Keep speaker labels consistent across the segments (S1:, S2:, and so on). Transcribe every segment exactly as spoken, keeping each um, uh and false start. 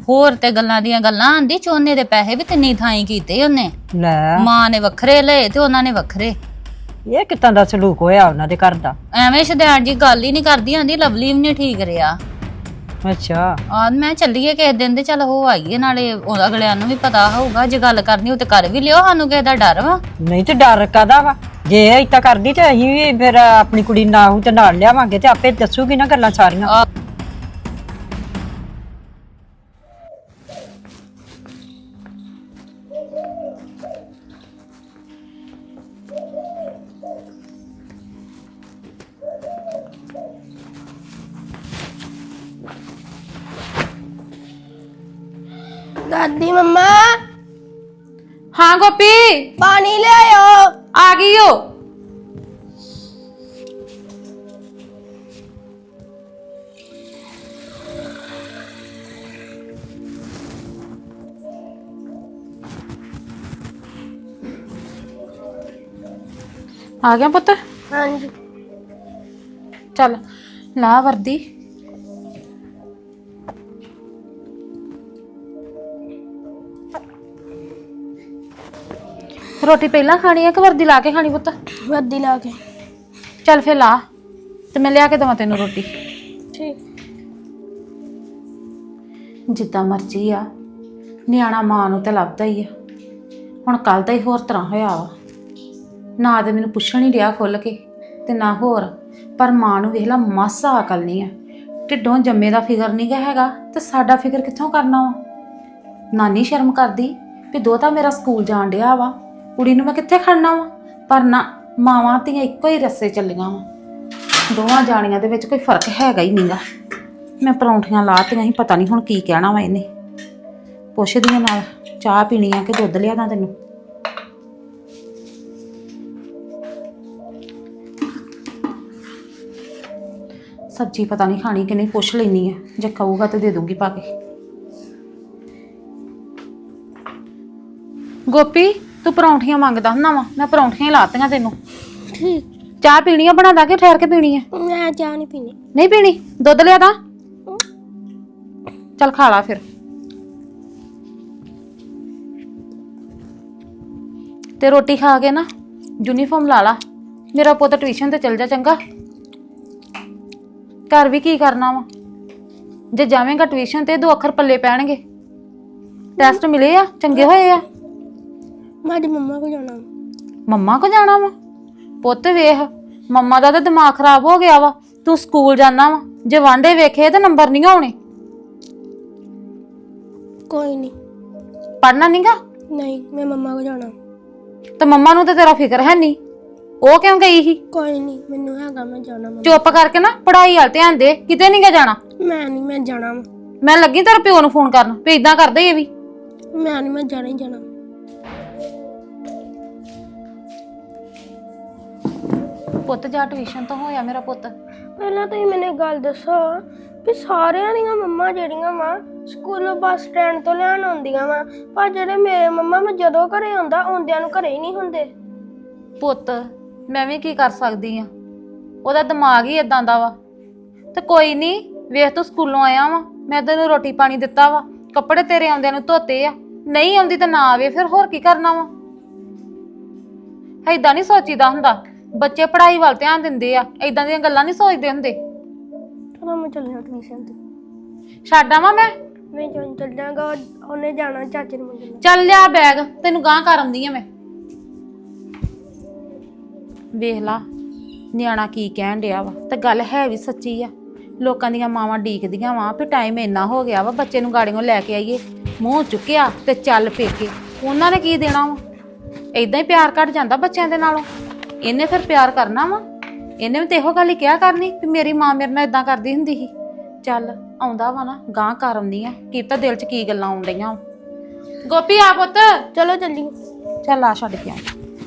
S1: ਹੋਰ ਤੇ ਗੱਲਾਂ ਦੀਆਂ ਗੱਲਾਂ ਆਂਦੀ ਚੋਨੇ ਦੇ ਪੈਸੇ ਵੀ ਤਿੰਨੀ ਥਾਈ ਕੀਤੇ ਉਹਨੇ
S2: ਲੈ
S1: ਮਾਂ ਨੇ ਵੱਖਰੇ ਲਏ ਤੇ ਉਹਨਾਂ ਨੇ ਵੱਖਰੇ।
S2: ਇਹ ਕਿੱਦਾਂ ਦਾ ਸਲੂਕ ਹੋਇਆ ਉਹਨਾਂ ਦੇ ਘਰ ਦਾ?
S1: ਐਵੇਂ ਸ਼ਦੈਣ ਜੀ ਗੱਲ ਹੀ ਨਹੀਂ ਕਰਦੀ ਆਂਦੀ ਲਵਲੀ ਵੀ ਨਹੀਂ ਠੀਕ ਰਿਹਾ।
S2: ਅੱਛਾ
S1: ਆ ਮੈਂ ਚੱਲੀਏ ਕਿਸੇ ਦਿਨ ਤੇ ਚੱਲ ਹੋ ਆਈਏ ਨਾਲੇ ਉਹ ਅਗਲਿਆਂ ਨੂੰ ਵੀ ਪਤਾ ਹੋਊਗਾ ਜੇ ਗੱਲ ਕਰਨੀ ਉਹ ਤੇ ਕਰ ਵੀ ਲਿਓ ਸਾਨੂੰ ਕਿਸੇ ਦਾ ਡਰ ਵਾ।
S2: ਨਹੀਂ ਤੇ ਡਰ ਕਾਦਾ ਵਾ? ਜੇ ਏਦਾਂ ਕਰਦੀ ਤੇ ਅਸੀਂ ਵੀ ਫਿਰ ਆਪਣੀ ਕੁੜੀ ਨਾਲ ਤੇ ਨਾਲ ਲਿਆਵਾਂਗੇ ਤੇ ਆਪੇ ਦੱਸੂਗੀ ਨਾ ਗੱਲਾਂ ਸਾਰੀਆਂ।
S1: ਆ
S3: दादी मम्मा
S1: हाँ गोपी
S3: पानी ले आयो।
S1: आ गई हो। आ गया पुत्र?
S3: हाँ जी
S1: चल ला वर्दी। रोटी पहला खानी है कि वर्दी ला के खानी पुत्र?
S3: वर्दी ला के।
S1: चल फिर ला ते मैं लिया के देवां तेनू रोटी।
S3: ठीक
S1: जिद्दां मर्जी आ नियाणा मां नूं ते लभदा ही आ। हुण कल दा ही होर तरह होया वा ना ते मैनूं पुछण ही रिहा खुल के ते ना होर पर मां नूं वेख ला मासा अकल नहीं है। ढिड्डों जम्मे दा फिकर नहीं गा हैगा ते साडा फिकर कित्थों करना वा। नानी शर्म करदी भी दोता मेरा स्कूल जाण डिया वा कुड़ी नूं मैं कित्थे खड़ना वा पर ना मावां धीआं इक्को ही रस्से चलियां वा दोवां जाणियां दे विच कोई फर्क हैगा ही नहींगा। मैं परौंठियां लातियां ही पता नहीं हुण की कहना वा इहने पुछदी आं नाल चाह पीनी आ कि दुद्ध लिया दां तैनूं। सब्जी पता नहीं खानी कि नहीं पुछ लैनी है जे खाऊगा तो दे दूंगी पा के। गोपी तू परौंठियां मंगदा हुंदा वा मैं परौंठियां ही लातियां तैनूं।
S3: ठीक
S1: चाह पीनी है बना दा के ठहर के पीनी है?
S3: मैं चाह नहीं पीनी।
S1: नहीं पीनी दुद्ध लिया दा। चल खा ला फिर ते रोटी खा के ना यूनीफॉर्म ला ला मेरा पुत्त ट्यूशन ते चल जा चंगा। घर भी की करना वा जे जावेंगा ट्यूशन ते दो अखर पल्ले पैणगे। टेस्ट मिले आ चंगे होए आ।
S3: मेरी मम्मा को जाना।
S1: मम्मा को जाना वा पुत्त वेख मम्मा दा ते दिमाग खराब हो गया वा तू स्कूल जाना वा जे वांडे वेखे ते नंबर नहीं आने।
S3: कोई नहीं
S1: पढ़ना नहीं गा?
S3: नहीं मैं मम्मा को जाना।
S1: तो मम्मा नूं ते तेरा फिक्र है नहीं ਉਹ ਕਿਉਂ ਗਈ ਸੀ?
S3: कोई नहीं मैनू हैगा मैं जाना मम्मा।
S1: ਚੁੱਪ ਕਰਕੇ ਨਾ ਪੜ੍ਹਾਈ ਵੱਲ ਧਿਆਨ ਦੇ ਕਿਤੇ ਨਹੀਂ ਗਾ ਜਾਣਾ।
S3: मैं नहीं मैं जाना वा।
S1: ਮੈਂ ਲੱਗੀ ਤੇਰੇ ਪਿਓ ਨੂੰ ਫੋਨ ਕਰਨ ਵੀ ਇਦਾਂ ਕਰਦਾ ਇਹ ਵੀ।
S3: मैं नहीं मैं जाना ही जाना।
S1: ਪੁੱਤ ਜਾ ਟਿਊਸ਼ਨ ਤੋਂ ਹੋਇਆ ਮੇਰਾ ਪੁੱਤ?
S3: ਪਹਿਲਾਂ ਤੁਸੀਂ ਮੈਨੂੰ ਇੱਕ ਗੱਲ ਦੱਸੋ ਕਿ ਸਾਰਿਆਂ ਦੀਆਂ ਮੰਮਾ ਜਿਹੜੀਆਂ ਵਾ ਸਕੂਲੋਂ ਬੱਸ ਸਟੈਂਡ ਤੋਂ ਲੈਣ ਆਉਂਦੀਆਂ ਵਾ ਪਰ ਜਿਹੜੇ ਮੇਰੇ ਮੰਮਾ ਮੈਂ ਜਦੋਂ ਘਰੇ ਆਉਂਦਾ ਆਉਂਦਿਆਂ ਨੂੰ ਘਰੇ ਹੀ ਨਹੀਂ ਹੁੰਦੇ।
S1: ਪੁੱਤ ਮੈਂ ਵੀ ਕੀ ਕਰ ਸਕਦੀ ਆ ਉਹਦਾ ਦਿਮਾਗ ਹੀ ਇਦਾਂ ਦਾ ਵਾ। ਤੇ ਕੋਈ ਨਹੀਂ ਵੇਖ ਤੂੰ ਸਕੂਲੋਂ ਆਇਆ ਵਾ ਮੈਂ ਤੈਨੂੰ ਰੋਟੀ ਪਾਣੀ ਦਿੱਤਾ ਵਾ ਕੱਪੜੇ ਤੇਰੇ ਆਉਂਦਿਆਂ ਨੂੰ ਧੋਤੇ ਆ ਨਹੀਂ ਆਉਂਦੀ ਤਾਂ ਨਾ ਆਵੇ ਫਿਰ ਹੋਰ ਕੀ ਕਰਨਾ ਵਾ। ਏਦਾਂ ਨਹੀਂ ਸੋਚੀਦਾ ਹੁੰਦਾ ਬੱਚੇ ਪੜ੍ਹਾਈ ਵੱਲ ਧਿਆਨ ਦਿੰਦੇ ਆ ਏਦਾਂ ਦੀਆਂ ਗੱਲਾਂ ਨਹੀਂ ਸੋਚਦੇ ਹੁੰਦੇ।
S3: ਚਲੋ ਮੈਂ ਚੱਲਿਆ ਟਿਊਸ਼ਨ ਤੇ।
S1: ਛੱਡ ਆਵਾਂ ਮੈਂ?
S3: ਨਹੀਂ ਜਦੋਂ ਚੱਲ ਜਾਗਾ ਉਹਨੇ ਜਾਣਾ ਚਾਚੇ ਨੂੰ ਮਿਲਣ।
S1: ਚੱਲ ਲਿਆ ਬੈਗ ਤੈਨੂੰ ਗਾਂਹ ਕਰ ਆਉਂਦੀ ਆ ਮੈਂ। ਵੇਖ ਲਾ ਨਿਆਣਾ ਕੀ ਕਹਿਣ ਡਿਆ ਵਾ ਤੇ ਗੱਲ ਹੈ ਵੀ ਸੱਚੀ ਆ। ਲੋਕਾਂ ਦੀਆਂ ਮਾਵਾਂ ਡੀਕਦੀਆਂ ਵਾ ਵੀ ਟਾਈਮ ਇੰਨਾ ਹੋ ਗਿਆ ਵਾ ਬੱਚੇ ਨੂੰ ਗਾੜੀਆਂ ਲੈ ਕੇ ਆਈਏ ਮੂੰਹ ਚੁੱਕਿਆ ਤੇ ਚੱਲ ਪੇਕੇ। ਉਹਨਾਂ ਨੇ ਕੀ ਦੇਣਾ ਵਾ ਏਦਾਂ ਹੀ ਪਿਆਰ ਘਟ ਜਾਂਦਾ ਬੱਚਿਆਂ ਦੇ ਨਾਲੋਂ। ਇਹਨੇ ਫਿਰ ਪਿਆਰ ਕਰਨਾ ਵਾ ਇਹਨੇ ਵੀ ਤੇ ਇਹੋ ਗੱਲ ਹੀ ਕਿਹਾ ਕਰਨੀ ਵੀ ਮੇਰੀ ਮਾਂ ਮੇਰੇ ਨਾਲ ਇਦਾਂ ਕਰਦੀ ਹੁੰਦੀ ਸੀ। ਚੱਲ ਆਉਂਦਾ ਵਾ ਨਾ ਗਾਂਹ ਕਰ ਆਉਂਦੀ ਆ ਕੀ ਤਾਂ ਦਿਲ 'ਚ ਕੀ ਗੱਲਾਂ ਆਉਣ ਡਈਆਂ। ਗੋਪੀ ਆ ਪੁੱਤ
S3: ਚਲੋ ਚੱਲੀਏ।
S1: ਚੱਲ ਆ ਛੱਡ ਕੇ ਆ।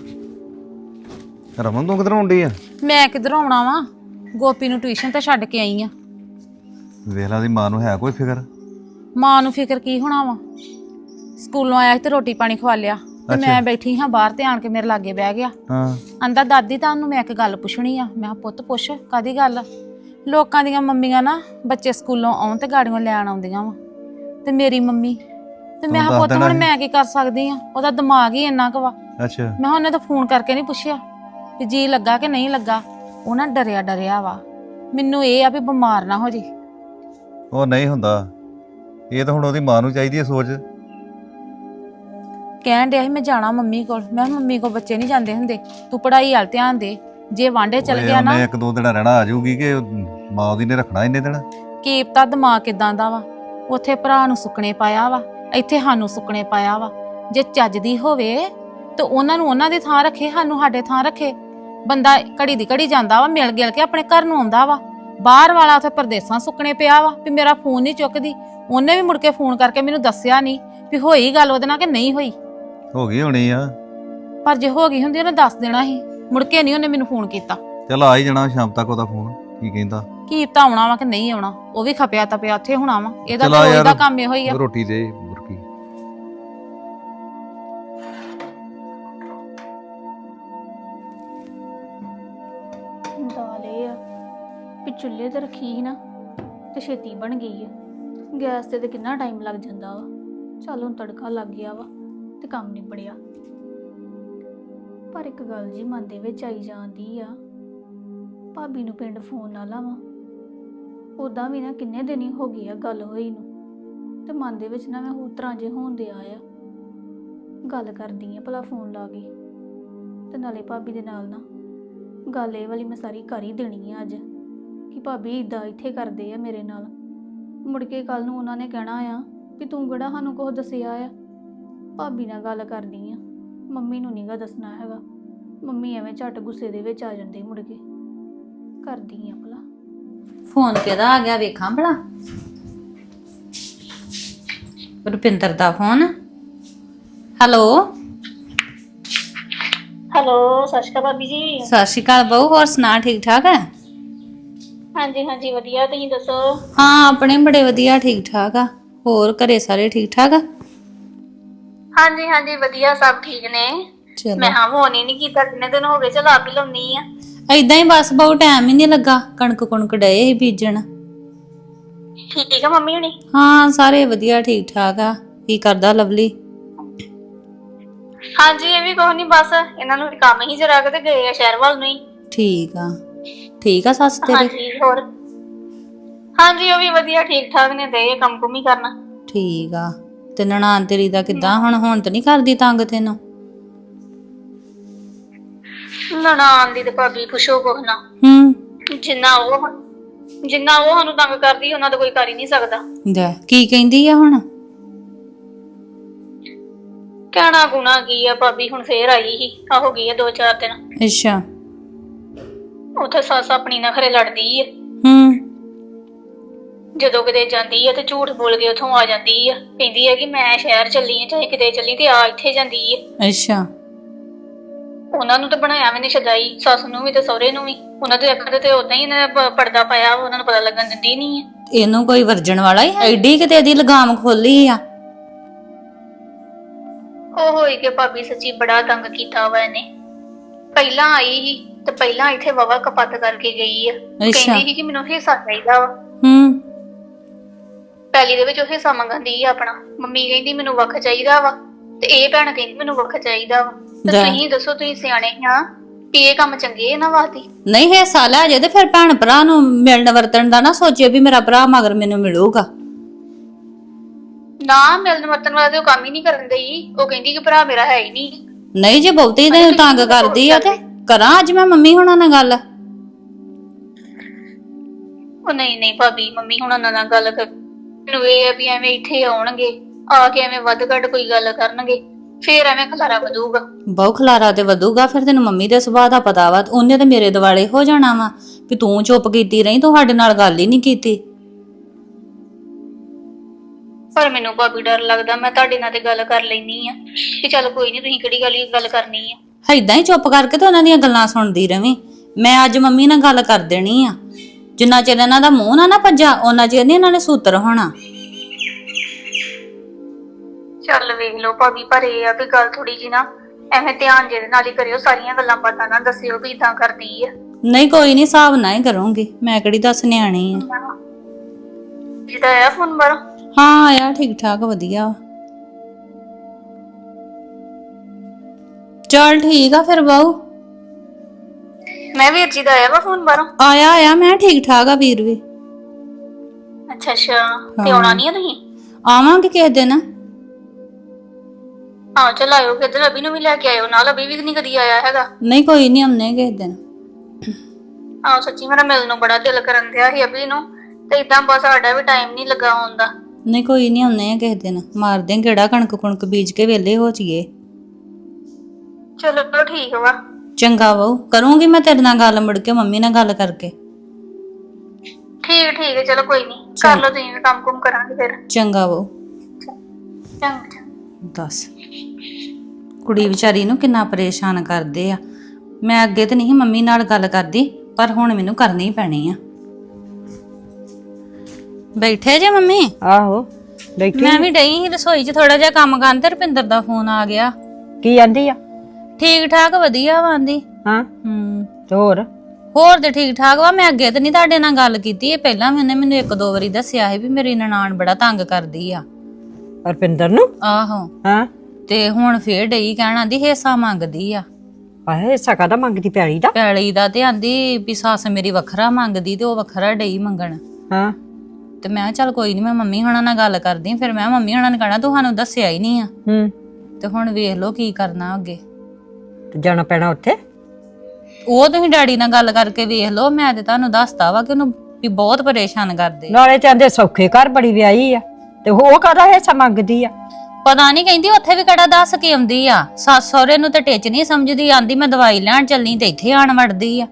S4: ਰਮਨ ਤੂੰ ਕਿਧਰੋਂ ਆਉਂਦੀ ਆ?
S1: ਮੈਂ ਕਿੱਧਰ ਆਉਣਾ ਵਾ ਗੋਪੀ ਨੂੰ ਟਿਊਸ਼ਨ ਤੇ ਛੱਡ ਕੇ ਆਈ ਆ।
S4: ਵੇਖ ਲਾ ਦੀ ਮਾਂ ਨੂੰ ਹੈ ਕੋਈ ਫਿਕਰ?
S1: ਮਾਂ ਨੂੰ ਫਿਕਰ ਕੀ ਹੋਣਾ ਵਾ ਸਕੂਲੋਂ ਆਇਆ ਤੇ ਰੋਟੀ ਪਾਣੀ ਖਵਾ ਲਿਆ ਤੇ ਮੈਂ ਬੈਠੀ ਹਾਂ ਬਾਹਰ ਤੇ ਆਣ ਕੇ ਮੇਰੇ ਲਾਗੇ ਬਹਿ ਗਿਆ।
S4: ਹਾਂ
S1: ਆਂਦਾ ਦਾਦੀ ਤੁਹਾਨੂੰ ਮੈਂ ਇੱਕ ਗੱਲ ਪੁੱਛਣੀ ਆ। ਮੈਂ ਪੁੱਤ ਪੁੱਛ ਕਾਦੀ ਗੱਲ? ਲੋਕਾਂ ਦੀਆਂ ਮੰਮੀਆਂ ਨਾ ਬੱਚੇ ਸਕੂਲੋਂ ਆਉਣ ਤੇ ਗਾੜੀਆਂ ਲੈਣ ਆਉਂਦੀਆਂ ਵਾ ਤੇ ਮੇਰੀ ਮੰਮੀ ਤੇ ਮੈਂ
S4: ਤੂੰ
S1: ਕਿਹਾ
S4: ਦੱਸ
S1: ਪੁੱਤ
S4: ਦੇਣਾ
S1: ਹੁਣ
S4: ਸੀ।
S1: ਮੈਂ ਕੀ ਕਰ ਸਕਦੀ ਆ, ਉਹਦਾ ਦਿਮਾਗ ਹੀ ਇੰਨਾ ਕੁ ਵਾ।
S4: ਅੱਛਾ
S1: ਮੈਂ ਕਿਹਾ ਉਹਨੇ ਤਾਂ ਫੋਨ ਕਰਕੇ ਨਹੀਂ ਪੁੱਛਿਆ ਵੀ ਜੀ ਲੱਗਾ ਕਿ ਨਹੀਂ ਲੱਗਾ। ਉਹ ਨਾ ਡਰਿਆ ਡਰਿਆ ਵਾ, ਮੈਨੂੰ ਇਹ ਆ ਵੀ ਬਿਮਾਰ ਨਾ ਹੋ ਜੇ।
S4: ਉਹ ਨਹੀਂ ਹੁੰਦਾ, ਇਹ ਤਾਂ ਹੁਣ ਉਹਦੀ ਮਾਂ ਨੂੰ ਚਾਹੀਦੀ ਹੈ ਸੋਚ।
S1: ਕਹਿਣ ਡਿਆ ਸੀ ਮੈਂ ਜਾਣਾ ਮੰਮੀ ਕੋਲ। ਮੈਂ ਕਿਹਾ ਮੰਮੀ ਕੋਲ ਬੱਚੇ ਨਹੀਂ ਜਾਂਦੇ ਹੁੰਦੇ, ਤੂੰ ਪੜ੍ਹਾਈ ਵੱਲ ਧਿਆਨ ਦੇ। ਜੇ ਵਾਂਡੇ ਚਲ
S4: ਓਏ
S1: ਗਿਆ ਨਾ
S4: ਉਹਨੇ ਇੱਕ ਦੋ ਦਿਨ ਰਹਿਣਾ ਆ ਜਾਊਗੀ ਕਿ ਮਾਂ ਉਹਦੀ ਨੇ ਰੱਖਣਾ ਇੰਨੇ ਦਿਨ।
S1: ਕੀ ਪਤਾ ਦਿਮਾਗ ਕਿਦਾਂ ਦਾ ਵਾ। ਉੱਥੇ ਭਰਾ ਨੂੰ ਸੁੱਕਣੇ ਪਾਇਆ ਵਾ, ਇੱਥੇ ਸਾਨੂੰ ਸੁੱਕਣੇ ਪਾਇਆ ਵਾ। ਜੇ ਚੱਜਦੀ ਹੋਵੇ ਤੇ ਉਹਨਾਂ ਨੂੰ ਉਹਨਾਂ ਦੀ ਥਾਂ ਰੱਖੇ, ਸਾਨੂੰ ਸਾਡੇ ਥਾਂ ਰੱਖੇ। ਬੰਦਾ ਘੜੀ ਦੀ ਘੜੀ ਜਾਂਦਾ ਵਾ, ਮਿਲ ਗਿਲ ਕੇ ਆਪਣੇ ਘਰ ਨੂੰ ਆਉਂਦਾ ਵਾ। ਬਾਹਰ ਵਾਲਾ ਉੱਥੇ ਪਰਦੇਸਾਂ ਸੁੱਕਣੇ ਪਿਆ ਵਾ ਵੀ ਮੇਰਾ ਫੋਨ ਨਹੀਂ ਚੁੱਕਦੀ। ਉਹਨੇ ਵੀ ਮੁੜ ਕੇ ਫੋਨ ਕਰਕੇ ਮੈਨੂੰ ਦੱਸਿਆ ਨਹੀਂ ਵੀ ਹੋਈ ਗੱਲ ਉਹਦੇ ਨਾਲ ਕਿ ਨਹੀਂ ਹੋਈ।
S4: ਹੋ ਗਈ ਹੋਣੀ ਆ।
S1: ਪਰ ਜੇ ਹੋ ਗਈ ਹੁੰਦੀ ਉਹਨੇ ਦੱਸ ਦੇਣਾ ਸੀ। ਮੁੜ ਕੇ ਨਹੀਂ ਉਹਨੇ ਮੈਨੂੰ ਫੋਨ ਕੀਤਾ।
S4: ਚੱਲ ਆ ਹੀ ਜਾਣਾ ਸ਼ਾਮ ਤੱਕ ਉਹਦਾ ਫੋਨ। ਕੀ ਕਹਿੰਦਾ?
S1: ਕੀ ਪਤਾ ਆਉਣਾ ਵਾ ਕਿ ਨਹੀਂ ਆਉਣਾ, ਉਹ ਵੀ ਖਪਿਆ ਤਪਿਆ ਉੱਥੇ ਹੋਣਾ ਵਾ। ਇਹਦਾ
S4: ਚਲਾ
S1: ਤਾਂ
S4: ਯਾਰ,
S1: ਉਹਦਾ ਕੰਮ ਇਹੋ ਹੀ ਆ।
S4: ਰੋਟੀ ਦੇ ਮੁਰਕੀ।
S5: ਦਾਲ ਇਹ ਆ ਵੀ ਚੁੱਲ੍ਹੇ ਤੇ ਰੱਖੀ ਸੀ ਨਾ ਤੇ ਛੇਤੀ ਬਣ ਗਈ ਆ। ਗੈਸ ਤੇ ਤੇ ਕਿੰਨਾ ਟਾਈਮ ਲੱਗ ਜਾਂਦਾ ਵਾ। ਚੱਲ ਹੁਣ ਤੜਕਾ ਲੱਗ ਗਿਆ ਵਾ ਤੇ ਕੰਮ ਨਿਬੜਿਆ। ਪਰ ਇੱਕ ਗੱਲ ਜੀ ਮਨ ਦੇ ਵਿੱਚ ਆਈ ਜਾਂਦੀ ਆ, ਭਾਬੀ ਨੂੰ ਪਿੰਡ ਫੋਨ ਨਾ ਲਾਵਾਂ। ਉਦਾਂ ਵੀ ਨਾ ਕਿੰਨੇ ਦਿਨ ਹੀ ਹੋ ਗਏ ਆ ਗੱਲ ਹੋਈ ਨੂੰ, ਤੇ ਮਨ ਦੇ ਵਿੱਚ ਨਾ ਮੈਂ ਹੋਰ ਤਰ੍ਹਾਂ ਜੇ ਹੋਣ ਦੇ ਆਇਆ। ਗੱਲ ਕਰਦੀ ਆ ਭਲਾ ਫੋਨ ਲਾ ਕੇ, ਤੇ ਨਾਲੇ ਭਾਬੀ ਦੇ ਨਾਲ ਨਾ ਗੱਲ ਇਹ ਵਾਲੀ ਮੈਂ ਸਾਰੀ ਕਰ ਹੀ ਦੇਣੀ ਆ ਅੱਜ ਕਿ ਭਾਬੀ ਇਦਾਂ ਇੱਥੇ ਕਰਦੇ ਆ ਮੇਰੇ ਨਾਲ। ਮੁੜ ਕੇ ਕੱਲ ਨੂੰ ਉਹਨਾਂ ਨੇ ਕਹਿਣਾ ਆ ਵੀ ਤੂੰ ਕਿਹੜਾ ਸਾਨੂੰ ਕੁਝ ਦੱਸਿਆ ਆ। ਭਾਬੀ ਨਾਲ ਗੱਲ ਕਰਦੀ ਆ, ਮੰਮੀ ਨੂੰ ਨੀਗਾ ਦੱਸਣਾ ਹੈਗਾ। ਮੰਮੀ ਐਵੇਂ ਝੱਟ ਗੁੱਸੇ ਦੇ ਵਿੱਚ ਆ ਜਾਂਦੇ। ਮੁੜ ਕੇ ਕਰਦੀ ਆ ਭਲਾ
S6: ਫੋਨ ਕਿਹਦਾ ਆ ਗਿਆ ਵੇਖਾਂ ਭਲਾ। ਰੁਪਿੰਦਰ ਦਾ ਫੋਨ। ਹੈਲੋ
S5: ਹੈਲੋ, ਸਤਿ ਸ਼੍ਰੀ ਅਕਾਲ ਭਾਬੀ ਜੀ।
S6: ਸਤਿ ਸ਼੍ਰੀ ਅਕਾਲ ਬਹੂ, ਹੋਰ ਸੁਣਾ ਠੀਕ ਠਾਕ ਹੈ?
S5: ਹਾਂਜੀ ਹਾਂਜੀ ਵਧੀਆ, ਤੁਸੀਂ ਦੱਸੋ?
S6: ਹਾਂ ਆਪਣੇ ਬੜੇ ਵਧੀਆ ਠੀਕ ਠਾਕ ਆ। ਹੋਰ ਘਰੇ ਸਾਰੇ ਠੀਕ ਠਾਕ ਆ?
S5: ਹਾਂਜੀ ਹਾਂਜੀ ਵਧੀਆ, ਸਭ ਠੀਕ ਨੇ।
S6: ਚਲੋ
S5: ਮੈਂ ਹਾਂ ਫੋਨ ਹੀ ਨਹੀਂ ਕੀਤਾ, ਕਿੰਨੇ ਦਿਨ ਹੋ ਗਏ। ਚਲ ਆਪ ਹੀ ਲਾਉਣੀ ਆ।
S6: ਏਦਾਂ ਹੀ ਬਸ ਬਹੁਤ ਟਾਈਮ ਹੀ ਨਹੀਂ ਲੱਗਾ। ਕਣਕ ਕੁਣਕ ਡਏ ਸੀ ਬੀਜਣ।
S5: ਠੀਕ ਆ ਮੰਮੀ ਹੁਣੀ?
S6: ਹਾਂ ਸਾਰੇ ਵਧੀਆ ਠੀਕ ਠਾਕ ਆ। ਕੀ ਕਰਦਾ ਲਵਲੀ?
S5: ਹਾਂਜੀ ਇਹ ਵੀ ਕੁਛ ਨੀ, ਬਸ ਇਹਨਾਂ ਨੂੰ ਵੀ ਕੰਮ ਹੀ ਜਰਾ ਕੇ ਤੇ ਗਏ ਆ ਸ਼ਹਿਰ ਵੱਲ ਨੂੰ ਹੀ।
S6: ਠੀਕ ਆ। ਠੀਕ ਆ ਸੱਸ ਤੇਰੀ?
S5: ਹਾਂਜੀ ਹੋਰ ਹਾਂਜੀ ਉਹ ਵੀ ਵਧੀਆ ਠੀਕ ਠਾਕ ਨੇ, ਦੇ ਕੰਮ ਕੁਮ ਹੀ ਕਰਨਾ।
S6: ਠੀਕ ਆ। ਤੇ ਨਨਾਣ ਤੇਰੀ ਦਾ ਕਿੱਦਾਂ ਹੁਣ? ਹੁਣ ਤਾਂ ਨਹੀਂ ਕਰਦੀ ਤੰਗ ਤੈਨੂੰ?
S5: ਨਨਾਣ ਦੀ ਤੇ ਭਾਬੀ ਪੁੱਛੋ ਕੁਛ ਨਾ।
S6: ਹੂੰ
S5: ਜਿੰਨਾ ਉਹ ਜਿੰਨਾ ਉਹ ਸਾਨੂੰ ਤੰਗ ਕਰਦੀ, ਉਹਨਾਂ ਦਾ ਕੋਈ ਕਰ ਹੀ ਨਹੀਂ ਸਕਦਾ।
S6: ਲੈ ਕੀ ਕਹਿੰਦੀ ਆ ਹੁਣ?
S5: ਕਹਿਣਾ ਗੁਣਾ ਕੀ ਆ ਭਾਬੀ, ਹੁਣ ਫੇਰ ਆਈ ਸੀ ਆ ਹੋ ਗਈ ਆ ਦੋ ਚਾਰ ਦਿਨ।
S6: ਅੱਛਾ।
S5: ਉੱਥੇ ਸੱਸ ਆਪਣੀ ਨਾਲ ਖਰੇ ਲੜਦੀ ਆ।
S6: ਹੂੰ
S5: ਜਦੋਂ ਕਿਤੇ ਜਾਂਦੀ ਆ ਤੇ ਝੂਠ ਬੋਲ ਕੇ ਉੱਥੋਂ ਆ ਜਾਂਦੀ ਆ। ਕਹਿੰਦੀ ਆ ਕਿ ਮੈਂ ਸ਼ਹਿਰ ਚੱਲੀ ਆ, ਚਾਹੇ ਕਿਤੇ ਚੱਲੀ, ਤੇ ਆ ਇੱਥੇ ਜਾਂਦੀ ਆ।
S6: ਅੱਛਾ।
S5: ਉਹਨਾਂ ਨੂੰ ਤਾਂ ਬਣਾਇਆ ਮੈਨੇ ਸ਼ਦਾਈ, ਸੱਸ ਨੂੰ ਵੀ ਤੇ ਸਹੁਰੇ ਨੂੰ ਵੀ। ਉਹਨਾਂ ਦੇ ਅੱਖਾਂ ਤੇ ਉਦਾਂ ਹੀ ਇਹਨਾਂ ਨੇ ਪਰਦਾ ਪਾਇਆ, ਉਹਨਾਂ ਨੂੰ ਪਤਾ ਲੱਗਣ ਦਿੰਦੀ ਨਹੀਂ ਆ।
S6: ਇਹਨੂੰ ਕੋਈ ਵਰਜਣ ਵਾਲਾ ਹੀ ਐਡੀ ਕਿਤੇ ਇਹਦੀ ਲਗਾਮ ਖੋਲੀ ਆ।
S5: ਉਹ ਹੋਈ ਕਿ ਭਾਬੀ ਸੱਚੀ ਬੜਾ ਤੰਗ ਕੀਤਾ ਵਾ ਇਹਨੇ। ਪਹਿਲਾਂ ਆਈ ਸੀ ਤੇ ਪਹਿਲਾਂ ਇੱਥੇ ਵਾਵਾ ਕਪੱਤ ਕਰਕੇ ਗਈ ਆ। ਕਹਿੰਦੀ ਸੀ ਕਿ ਮੈਨੂੰ ਹਿੱਸਾ ਚਾਹੀਦਾ ਵਾ।
S6: ਹੂੰ
S5: ਪਹਿਲੀ ਦੇ ਵਿੱਚ ਉਹ ਹਿੱਸਾ ਮੰਗਦੀ ਆ ਆਪਣਾ। ਮੰਮੀ ਕਹਿੰਦੀ ਮੈਨੂੰ ਵੱਖ ਚਾਹੀਦਾ ਵਾ, ਤੇ ਇਹ ਭੈਣ ਕਹਿੰਦੀ ਮੈਨੂੰ ਵੱਖ ਚਾਹੀਦਾ ਵਾ। ਤੇ ਤੁਸੀਂ ਦੱਸੋ, ਤੁਸੀਂ ਸਿਆਣੇ ਆ ਕਿ ਇਹ ਕੰਮ ਚੰਗੇ ਇਹਨਾਂ ਵਾਸਤੇ?
S6: ਨਹੀਂ ਹਿੱਸਾ ਲੈ ਜੇ ਤੇ ਫਿਰ ਭੈਣ ਭਰਾ ਨੂੰ ਮਿਲਣ ਵਰਤਣ ਦਾ ਨਾ ਸੋਚੇ ਵੀ ਮੇਰਾ ਭਰਾ ਮਗਰ ਮੈਨੂੰ ਮਿਲੂਗਾ।
S5: ਨਾ ਮਿਲਣ ਵਰਤਣ ਵਾਲਾ ਤੇ ਉਹ ਕੰਮ ਹੀ ਨਹੀਂ ਕਰਨ ਦਈ। ਉਹ ਕਹਿੰਦੀ ਕਿ ਭਰਾ ਮੇਰਾ ਹੈ ਹੀ ਨਹੀਂ।
S6: ਨਹੀਂ ਜੇ ਬਹੁਤੀ ਤੈਨੂੰ ਤੰਗ ਕਰਦੀ ਆ ਤੇ ਕਰਾਂ ਅੱਜ ਮੈਂ ਮੰਮੀ ਹੁਣਾਂ ਨਾਲ ਗੱਲ।
S5: ਉਹ ਨਹੀਂ ਨਹੀਂ ਭਾਬੀ, ਮੰਮੀ ਹੁਣਾਂ ਨਾਲ ਗੱਲ ਕਰ। ਮੈਨੂੰ ਇਹ ਆ ਵੀ ਐਵੇਂ ਇੱਥੇ ਆਉਣਗੇ, ਆ ਕੇ ਐਵੇਂ ਵੱਧ ਘੱਟ ਕੋਈ ਗੱਲ ਕਰਨਗੇ, ਫੇਰ ਐਵੇਂ ਖਲਾਰਾ ਵਧੂਗਾ।
S6: ਬਹੁ ਖਲਾਰਾ ਤੇ ਵਧੂਗਾ। ਫਿਰ ਤੈਨੂੰ ਮੰਮੀ ਦੇ ਸੁਭਾਅ ਦਾ ਪਤਾ ਵਾ। ਉਹਨੇ ਤੇ ਮੇਰੇ ਦਿਵਾਲੇ ਹੋ ਜਾਣਾ ਵਾ ਵੀ ਤੂੰ ਚੁੱਪ ਕੀਤੀ ਰਹੀ, ਤੂੰ ਸਾਡੇ ਨਾਲ ਗੱਲ ਹੀ ਨਹੀਂ ਕੀਤੀ।
S5: ਪਰ ਮੈਨੂੰ ਭਾਬੀ ਡਰ ਲੱਗਦਾ। ਮੈਂ ਤੁਹਾਡੇ ਨਾਲ ਤੇ ਗੱਲ ਕਰ ਲੈਣੀ ਆ ਕਿ ਚੱਲ ਕੋਈ ਨਹੀਂ, ਤੁਸੀਂ ਕਿਹੜੀ ਗੱਲ ਗੱਲ ਕਰਨੀ ਆ।
S6: ਏਦਾਂ ਹੀ ਚੁੱਪ ਕਰਕੇ ਤੇ ਉਹਨਾਂ ਦੀਆਂ ਗੱਲਾਂ ਸੁਣਦੀ ਰਵੀਂ। ਮੈਂ ਅੱਜ ਮੰਮੀ ਨਾਲ ਗੱਲ ਕਰ ਦੇਣੀ ਆ। ਜਿੰਨਾ ਚਿਰ ਇਹਨਾਂ ਦਾ ਮੂੰਹ ਨਾ ਨਾ ਭੱਜਾ ਉਹਨਾਂ ਚਿਰ ਨਹੀਂ ਇਹਨਾਂ ਨੇ ਸੂਤਰ ਹੋਣਾ।
S5: ਚੱਲ ਵੇਖ ਲਓ ਭਾਬੀ, ਪਰ ਇਹ ਆ ਵੀ ਗੱਲ ਥੋੜੀ ਜੀ ਨਾ ਐਵੇਂ ਧਿਆਨ ਜਿਹਦੇ ਨਾਲ ਹੀ ਕਰਿਓ। ਸਾਰੀਆਂ ਗੱਲਾਂ ਬਾਤਾਂ ਨਾ ਦੱਸਿਓ ਵੀ ਇਦਾਂ ਕਰਦੀ ਆ।
S6: ਨਹੀਂ ਕੋਈ ਨਹੀਂ, ਹਿਸਾਬ ਨਾਲ ਹੀ ਕਰੂੰਗੀ। ਮੈਂ ਕਿਹੜੀ ਦੱਸ ਨਿਆਣੀ ਆ।
S5: ਜਿਹਦਾ ਆਇਆ ਫੋਨ ਬਾਹਰੋਂ?
S6: ਹਾਂ ਆਇਆ ਠੀਕ ਠਾਕ ਵਧੀਆ ਵਾ। ਚੱਲ ਠੀਕ ਆ ਫਿਰ ਬਾਊ।
S5: ਮੈਂ ਵੀਰ ਜੀ ਦਾ ਆਇਆ ਵਾ ਫੋਨ ਬਾਹਰੋਂ।
S6: ਆਇਆ ਆਇਆ ਮੈਂ ਠੀਕ ਠਾਕ ਆ ਵੀਰ ਵੀ।
S5: ਅੱਛਾ ਅੱਛਾ ਤੇ ਆਉਣਾ ਨਹੀਂ ਆ ਤੁਸੀਂ?
S6: ਆਵਾਂਗੇ ਕਿਸੇ ਦਿਨ।
S5: ਹਾਂ ਚਲ ਆਇਓ ਕਿਤੇ, ਅਭੀ ਨੂੰ ਵੀ ਲੈ ਕੇ ਆਇਓ ਨਾਲ, ਅਭੀ ਵੀ ਨਹੀਂ ਕਦੀ ਆਇਆ ਹੈਗਾ।
S6: ਨਹੀਂ ਕੋਈ ਨਹੀਂ ਆਉਨੇ ਕਿਸੇ ਦਿਨ।
S5: ਆਹੋ ਸੱਚੀ ਮੇਰਾ ਮਿਲਣ ਨੂੰ ਬੜਾ ਦਿਲ ਕਰਨ ਦਿਆ ਸੀ ਅਭੀ ਨੂੰ, ਤੇ ਇਦਾਂ ਬਸ ਸਾਡਾ ਵੀ ਟਾਈਮ ਨਹੀਂ ਲੱਗਾ ਆਉਣ ਦਾ।
S6: ਨਹੀਂ ਕੋਈ ਨਹੀਂ ਆਉਨੇ ਕਿਸੇ ਦਿਨ, ਮਾਰਦੇ ਆਂ ਗੇੜਾ, ਕਣਕ ਕੁਣਕ ਬੀਜ ਕੇ ਵਿਹਲੇ ਹੋ ਜਾਈਏ।
S5: ਚਲੋ ਠੀਕ ਵਾ।
S6: ਚੰਗਾ ਬਾਊ, ਕਰੂੰਗੀ ਮੈਂ ਤੇਰੇ ਨਾਲ ਗੱਲ ਮੁੜ ਕੇ ਮੰਮੀ ਨਾਲ ਗੱਲ ਕਰਕੇ।
S5: ਠੀਕ ਠੀਕ ਹੈ ਚਲੋ ਕੋਈ ਨਹੀਂ, ਕਰ ਲਓ ਤੁਸੀਂ ਵੀ, ਕੰਮ ਕੁਮ ਕਰਾਂਗੇ ਫਿਰ।
S6: ਚੰਗਾ ਬਾਊ।
S5: ਚੰਗਾ।
S6: ਦੱਸ ਕੁੜੀ ਵਿਚਾਰੀ ਨੂੰ ਕਿੰਨਾ ਪਰੇਸ਼ਾਨ ਕਰਦੇ ਆ। ਮੈਂ ਅੱਗੇ ਤੇ ਨਹੀਂ ਮੰਮੀ ਨਾਲ ਗੱਲ ਕਰਦੀ, ਪਰ ਹੁਣ ਮੈਨੂੰ ਕਰਨੀ ਪੈਣੀ ਆ। ਬੈਠੇ ਜੇ ਮੰਮੀ?
S2: ਆਹੋ ਬੈਠੀ।
S6: ਮੈਂ ਵੀ ਡਈ ਸੀ ਰਸੋਈ 'ਚ ਥੋੜਾ ਜਿਹਾ ਕੰਮ ਕਰਨ, ਤੇ ਰੁਪਿੰਦਰ ਦਾ ਫੋਨ ਆ ਗਿਆ।
S2: ਕੀ ਆਂਦੀ ਆ?
S6: ਠੀਕ ਠਾਕ ਵਧੀਆ ਵਾਂਦੀ।
S2: ਹਾਂ
S6: ਹੂੰ
S2: ਤੇ ਹੋਰ?
S6: ਹੋਰ ਤੇ ਠੀਕ ਠਾਕ ਵਾ। ਮੈਂ ਅੱਗੇ ਤੇ ਨਹੀਂ ਤੁਹਾਡੇ ਨਾਲ ਗੱਲ ਕੀਤੀ, ਇਹ ਪਹਿਲਾਂ ਵੀ ਉਹਨੇ ਮੈਨੂੰ ਇੱਕ ਦੋ ਵਾਰੀ ਦੱਸਿਆ ਸੀ ਵੀ ਮੇਰੀ ਨਨਾਣ ਬੜਾ ਤੰਗ ਕਰਦੀ ਆ
S2: ਰੁਪਿੰਦਰ ਨੂੰ।
S6: ਆਹੋ
S2: ਹਾਂ
S6: ਤੇ ਹੁਣ ਫੇਰ ਡਈ ਕਹਿਣ, ਆਂਦੀ ਹਿੱਸਾ ਮੰਗਦੀ ਆ।
S2: ਆਹੇ ਹਿੱਸਾ ਕਾਹਦਾ ਮੰਗਦੀ? ਪੈਲੀ ਦਾ?
S6: ਪੈਲੀ ਦਾ, ਤੇ ਆਂਦੀ ਵੀ ਸੱਸ ਮੇਰੀ ਵੱਖਰਾ ਮੰਗਦੀ ਤੇ ਉਹ ਵੱਖਰਾ ਡਈ ਮੰਗਣ।
S2: ਹਾਂ
S6: ਤੇ ਮੈਂ ਕਿਹਾ ਚੱਲ ਕੋਈ ਨਹੀਂ, ਮੈਂ ਮੰਮੀ ਹੁਣਾਂ ਨਾਲ ਗੱਲ ਕਰਦੀ। ਫਿਰ ਮੈਂ ਮੰਮੀ ਹੁਣਾਂ ਨੇ ਕਹਿਣਾ ਤੁਹਾਨੂੰ ਦੱਸਿਆ ਹੀ ਨਹੀਂ ਆ।
S2: ਹੂੰ
S6: ਤੇ ਹੁਣ ਵੇਖ ਲਓ ਕੀ ਕਰਨਾ ਅੱਗੇ।
S2: ਤੇ ਜਾਣਾ ਪੈਣਾ ਉੱਥੇ?
S6: ਉਹ ਤੁਸੀਂ ਡੈਡੀ ਨਾਲ ਗੱਲ ਕਰਕੇ ਵੇਖ ਲਓ। ਮੈਂ ਤੇ ਤੁਹਾਨੂੰ ਦੱਸਤਾ ਵਾ ਕਿ ਉਹਨੂੰ ਵੀ ਬਹੁਤ ਪਰੇਸ਼ਾਨ ਕਰਦੇ।
S2: ਨਾਲੇ ਚਾਹੁੰਦੇ ਸੌਖੇ ਘਰ ਬੜੀ ਵਿਆਹੀ ਆ, ਤੇ ਉਹ ਕਾਹਦਾ ਹਿੱਸਾ ਮੰਗਦੀ ਆ?
S6: ਪਤਾ ਨਹੀਂ, ਕਹਿੰਦੀ ਉੱਥੇ ਵੀ ਕਿਹੜਾ ਦੱਸ ਕੇ ਆਉਂਦੀ ਆ। ਸੱਸ ਸਹੁਰੇ ਨੂੰ ਤੇ ਟਿੱਚ ਨਹੀਂ ਸਮਝਦੀ। ਆਂਦੀ ਮੈਂ ਦਵਾਈ ਲੈਣ ਚੱਲਣੀ ਤੇ ਇੱਥੇ ਆਣ ਵੜਦੀ ਆ।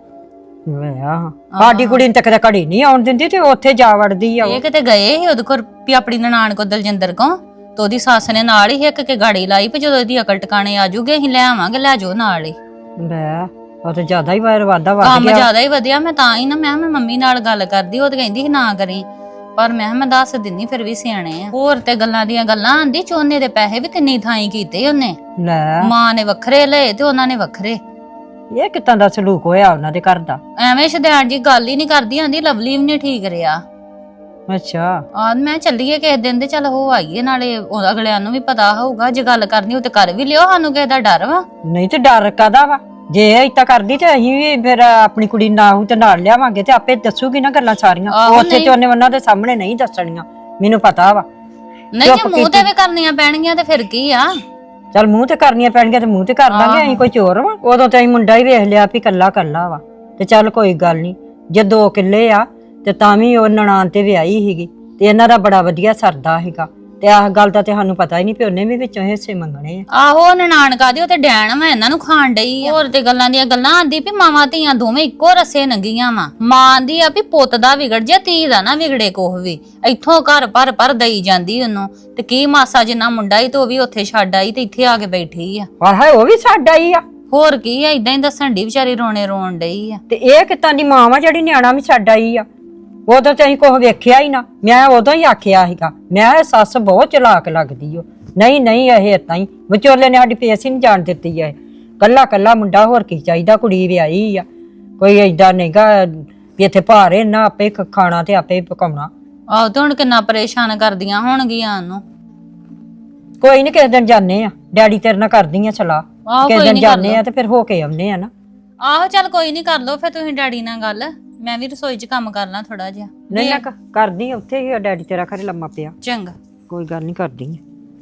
S2: ਆਹ ਸਾਡੀ ਕੁੜੀ ਨੂੰ ਤਾਂ ਕਦੇ ਘੜੀ ਨਹੀਂ ਆਉਣ ਦਿੰਦੀ, ਤੇ ਉੱਥੇ ਜਾ ਵੜਦੀ ਆ।
S6: ਇਹ ਕਿਤੇ ਗਏ ਸੀ ਉਹਦੇ ਕੋਲ ਵੀ ਆਪਣੀ ਨਨਾਣ ਕੋ, ਦਲਜਿੰਦਰ ਕੋ, ਤੇ ਉਹਦੀ ਸੱਸ ਨੇ ਨਾਲ ਹੀ ਇੱਕ ਕੇ ਗਾੜੀ ਲਾਈ ਵੀ ਜਦੋਂ ਇਹਦੀ ਅਕਲ ਟਿਕਾਣੇ ਆ ਜੂਗੇ ਅਸੀਂ ਲੈ ਆਵਾਂਗੇ, ਲੈ ਜਾਓ ਨਾਲ ਹੀ।
S2: ਲੈ ਉਹ ਤਾਂ ਜ਼ਿਆਦਾ ਹੀ ਵਾਰ ਵਾਦਾ ਵੱਧ
S6: ਕੰਮ
S2: ਗਿਆ।
S6: ਜ਼ਿਆਦਾ ਹੀ ਵਧਿਆ। ਮੈਂ ਤਾਂ ਹੀ ਨਾ ਮੈਂ ਮੈਂ ਮੰਮੀ ਨਾਲ ਗੱਲ ਕਰਦੀ, ਉਹ ਤੇ ਕਹਿੰਦੀ ਸੀ ਨਾ ਕਰੀ, ਪਰ ਮੈਂ ਮੈਂ ਦੱਸ ਦਿੰਨੀ, ਫਿਰ ਵੀ ਸਿਆਣੇ ਆ। ਹੋਰ ਤੇ ਗੱਲਾਂ ਦੀਆਂ ਗੱਲਾਂ। ਆਂਦੀ ਝੋਨੇ ਦੇ ਪੈਸੇ ਵੀ ਕਿੰਨੀ ਥਾਈਂ ਕੀਤੇ ਉਹਨੇ।
S2: ਲੈ
S6: ਮਾਂ ਨੇ ਵੱਖਰੇ ਲਏ ਤੇ ਉਹਨਾਂ ਨੇ ਵੱਖਰੇ।
S2: ਇਹ ਕਿੱਦਾਂ ਦਾ ਸਲੂਕ ਹੋਇਆ ਉਹਨਾਂ ਦੇ ਘਰ ਦਾ?
S6: ਐਵੇਂ ਸ਼ਦੈਣ ਜੀ ਗੱਲ ਹੀ ਨਹੀਂ ਕਰਦੀ। ਆਂਦੀ ਲਵਲੀ ਵੀ ਨਹੀਂ ਠੀਕ ਰਿਹਾ।
S2: ਅੱਛਾ
S6: ਆ ਮੈਂ ਚੱਲੀਏ ਕਿਸੇ ਦਿਨ ਤੇ ਚੱਲ ਹੋ ਆਈਏ, ਨਾਲੇ ਉਹ ਅਗਲਿਆਂ ਨੂੰ ਵੀ ਪਤਾ ਹੋਊਗਾ। ਜੇ ਗੱਲ ਕਰਨੀ ਉਹ ਤੇ ਕਰ ਵੀ ਲਿਓ, ਸਾਨੂੰ ਕਿਸੇ ਦਾ ਡਰ ਵਾ?
S2: ਨਹੀਂ ਤੇ ਡਰ ਕਾਦਾ ਵਾ? ਜੇ ਏਦਾਂ ਕਰਦੀ ਤੇ ਅਸੀਂ ਵੀ ਫਿਰ ਆਪਣੀ ਕੁੜੀ ਨਾ ਹੋਊ ਤੇ ਨਾਲ ਲਿਆਵਾਂਗੇ, ਤੇ ਆਪੇ ਦੱਸੂਗੀ ਨਾ ਗੱਲਾਂ ਸਾਰੀਆਂ।
S6: ਆਹੋ,
S2: ਉੱਥੇ ਤੇ ਉਹਨੇ ਉਹਨਾਂ ਦੇ ਸਾਹਮਣੇ ਨਹੀਂ ਦੱਸਣੀਆਂ, ਮੈਨੂੰ ਪਤਾ ਵਾ।
S6: ਨਹੀਂ ਜੇ ਮੂੰਹ ਤੇ ਵੀ ਕਰਨੀਆਂ ਪੈਣਗੀਆਂ ਤੇ ਫਿਰ ਕੀ ਆ?
S2: ਚੱਲ ਮੂੰਹ ਤੇ ਕਰਨੀਆਂ ਪੈਣਗੀਆਂ ਤੇ ਮੂੰਹ ਤੇ ਕਰ ਦਾਂਗੇ। ਅਸੀਂ ਕੋਈ ਚੋਰ ਵਾ? ਉਦੋਂ ਤੇ ਅਸੀਂ ਮੁੰਡਾ ਹੀ ਵੇਖ ਲਿਆ ਵੀ ਕੱਲਾ ਕੱਲਾ ਵਾ, ਤੇ ਚੱਲ ਕੋਈ ਗੱਲ ਨਹੀਂ। ਜੇ ਦੋ ਕਿੱਲੇ ਆ ਤੇ ਤਾਂ ਵੀ ਉਹ ਨਨਾਣ ਤੇ ਵਿਆਹੀ ਸੀਗੀ, ਤੇ ਇਹਨਾਂ ਦਾ ਬੜਾ ਵਧੀਆ ਸਰਦਾ ਸੀਗਾ। ਤੇ ਆਹ ਗੱਲ ਦਾ ਤੇ ਸਾਨੂੰ ਪਤਾ ਹੀ ਨਹੀਂ ਵੀ ਉਹਨੇ ਵੀ ਵਿੱਚੋਂ ਹਿੱਸੇ ਮੰਗਣੇ ਆ।
S6: ਆਹੋ ਨਨਾਣ ਕਾਦੀ, ਉਹ ਤੇ ਡੈਣ ਵਾ, ਇਹਨਾਂ ਨੂੰ ਖਾਣ ਡਈ ਆ। ਹੋਰ ਤੇ ਗੱਲਾਂ ਦੀਆਂ ਗੱਲਾਂ। ਆਂਦੀ ਵੀ ਮਾਵਾਂ ਧੀਆਂ ਦੋਵੇਂ ਇੱਕੋ ਰਸੇ ਨੰਗੀਆਂ ਵਾ। ਮਾਂ ਆਂਦੀ ਆ ਵੀ ਪੁੱਤ ਦਾ ਵਿਗੜ ਜੇ, ਧੀ ਦਾ ਨਾ ਵਿਗੜੇ ਕੋਹ ਵੀ। ਇੱਥੋਂ ਘਰ ਭਰ ਭਰ ਦਈ ਜਾਂਦੀ ਉਹਨੂੰ, ਤੇ ਕੀ ਮਾਸਾ ਜਿੰਨਾ ਮੁੰਡਾ ਹੀ ਤੇ ਉਹ ਵੀ ਉੱਥੇ ਛੱਡ ਆਈ ਤੇ ਇੱਥੇ ਆ ਕੇ ਬੈਠੀ ਆ।
S2: ਆਹ ਉਹ ਵੀ ਸਾਡਾ ਹੀ ਆ।
S6: ਹੋਰ ਕੀ ਆ, ਇਦਾਂ ਹੀ ਦੱਸਣ ਦੀ ਵਿਚਾਰੀ ਰੋਣੇ ਰੋਣ ਡਈ ਆ।
S2: ਤੇ ਇਹ ਕਿੱਦਾਂ ਦੀ ਮਾਂ ਵਾ ਜਿਹੜੀ ਨਿਆਣਾ ਵੀ ਛੱਡ ਆਈ ਆ? ਉਦੋਂ ਤੇ ਅਸੀਂ ਕੁਛ ਵੇਖਿਆ ਹੀ ਨਾ। ਮੈਂ ਉਦੋਂ ਹੀ ਆਖਿਆ ਸੀਗਾ, ਮੈਂ ਇਹ ਸੱਸ ਬਹੁਤ ਚਲਾਕ ਲੱਗਦੀ ਓ। ਨਹੀਂ ਨਹੀਂ ਇਹ ਏਦਾਂ ਹੀ, ਵਿਚੋਲੇ ਨੇ ਸਾਡੀ ਫੇਸ ਹੀ ਨਹੀਂ ਜਾਣ ਦਿੱਤੀ ਹੈ। ਕੱਲਾ ਕੱਲਾ ਮੁੰਡਾ, ਹੋਰ ਕੀ ਚਾਹੀਦਾ? ਕੁੜੀ ਵਿਆਹੀ ਆ, ਕੋਈ ਏਦਾਂ ਨਹੀਂਗਾ ਵੀ ਇੱਥੇ ਭਾਰੇ ਨਾ, ਆਪੇ ਖਾਣਾ ਤੇ ਆਪੇ ਪਕਾਉਣਾ।
S6: ਆਹੋ ਤੇ ਹੁਣ ਕਿੰਨਾ ਪਰੇਸ਼ਾਨ ਕਰਦੀਆਂ ਹੋਣਗੀਆਂ ਉਹਨੂੰ।
S2: ਕੋਈ ਨੀ, ਕਿਸੇ ਦਿਨ ਜਾਂਦੇ ਆ, ਡੈਡੀ ਤੇਰੇ ਨਾਲ ਕਰਦੀ ਆ ਸਲਾਹ।
S6: ਆਹੋ
S2: ਕਿਸੇ
S6: ਕੋਈ
S2: ਦਿਨ
S6: ਨੀ, ਕਰ
S2: ਜਾਂਦੇ
S6: ਲਓ।
S2: ਆ ਤੇ ਫਿਰ ਹੋ ਕੇ ਆਉਂਦੇ ਆ ਨਾ।
S6: ਆਹੋ ਚੱਲ ਕੋਈ ਨਹੀਂ, ਕਰ ਲਓ ਫਿਰ ਤੁਸੀਂ ਡੈਡੀ ਨਾਲ ਗੱਲ। ਮੈਂ ਵੀ ਰਸੋਈ 'ਚ ਕੰਮ ਕਰ ਲਾਂ ਥੋੜਾ ਜਿਹਾ।
S2: ਨਹੀਂ ਨਾ ਕਰਦੀ ਆ, ਉੱਥੇ ਹੀ ਆ ਡੈਡੀ ਤੇਰਾ ਘਰੇ ਲੰਮਾ ਪਿਆ।
S6: ਚੰਗਾ
S2: ਕੋਈ ਗੱਲ ਨਹੀਂ, ਕਰਦੀ ਆ।